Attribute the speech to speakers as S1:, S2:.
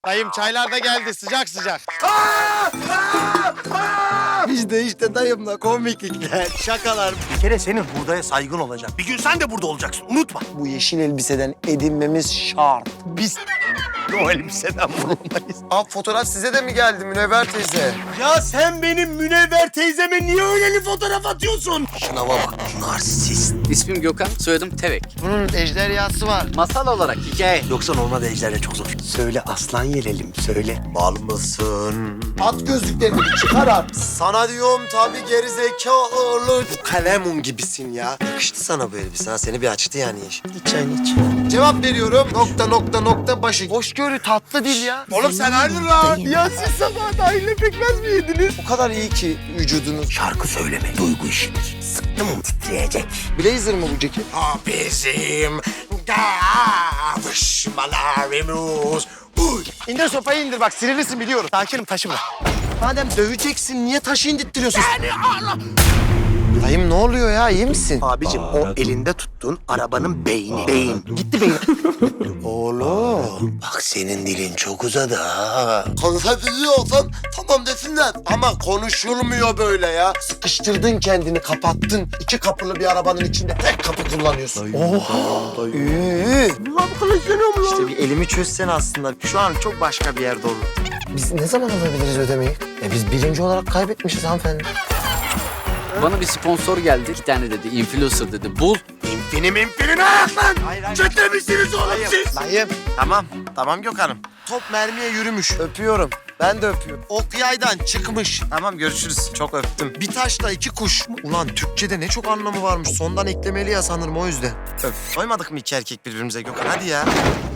S1: Dayım çaylar da geldi sıcak sıcak.
S2: Biz de işte dayımla komiklikler, şakalar.
S3: Bir kere senin hurdaya saygın olacak. Bir gün sen de burada olacaksın. Unutma.
S2: Bu yeşil elbiseden edinmemiz şart.
S3: Biz o elbiseden bulunmayız.
S2: Abi fotoğraf size de mi geldi Münevver teyze?
S3: Ya sen benim Münevver teyzeme niye öyleli fotoğraf atıyorsun?
S2: Şuna bak. Narsist.
S4: İsmim Gökhan, soyadım Tevek.
S2: Bunun ejderhası var.
S4: Masal olarak hikaye.
S3: Yoksa normal ejderle çok zor. Söyle aslan yelelim söyle.
S2: Bal mısın? At gözlüklerini çıkar at. Sana diyorum tabii gerizekalı. Kalemun gibisin ya. Yakıştı sana bu elbise ha. Seni bir açtı yani yeşil. İç çayını iç. Cevap veriyorum. Nokta başı. Hoşgörü tatlı dil ya.
S3: Oğlum sen hayırdır lan? Ya siz sabah dahille pekmez mi yediniz?
S2: O kadar iyi ki vücudunuz.
S3: Şarkı söyleme, duygu işidir. Sıktım mı titreyecek.
S2: Blazer mı bu ceket?
S3: O bizim kavuşmalarımız.
S2: İndir sopayı indir bak sinirlisin biliyorum.
S3: Sakinim taşı bırak.
S2: Madem döveceksin niye taşı indirttiriyorsun? Dayım ne oluyor ya iyi misin?
S3: Abicim o elinde tuttuğun arabanın beyni. Beyin. Gitti beyin.
S2: Oğlum.
S3: Bak senin dilin çok uzadı ha.
S2: Konuşabiliyorsan tamam desinler. Ama konuşulmuyor böyle ya. Sıkıştırdın kendini kapattın. 2 kapılı bir arabanın içinde tek kapı kullanıyorsun. Oha.
S3: Lan konuşuyorum lan.
S2: İşte bir elimi çözsen aslında şu an çok başka bir yerde olur. Biz ne zaman alabiliriz ödemeyi? Biz birinci olarak kaybetmişiz hanımefendi.
S4: Bana bir sponsor geldi. 2 tane dedi, influencer dedi. Bul.
S3: İmpini ayak lan. Çete misiniz oğlum siz?
S2: Dayım. Tamam Gökhan'ım. Top mermiye yürümüş. Öpüyorum. Ben de öpüyorum. Ok yaydan çıkmış. Tamam görüşürüz. Çok öptüm. Bir taşla 2 kuş. Ulan Türkçe'de ne çok anlamı varmış. Sondan eklemeli ya sanırım o yüzden. Öp. Koymadık mı 2 erkek birbirimize Gökhan? Hadi ya.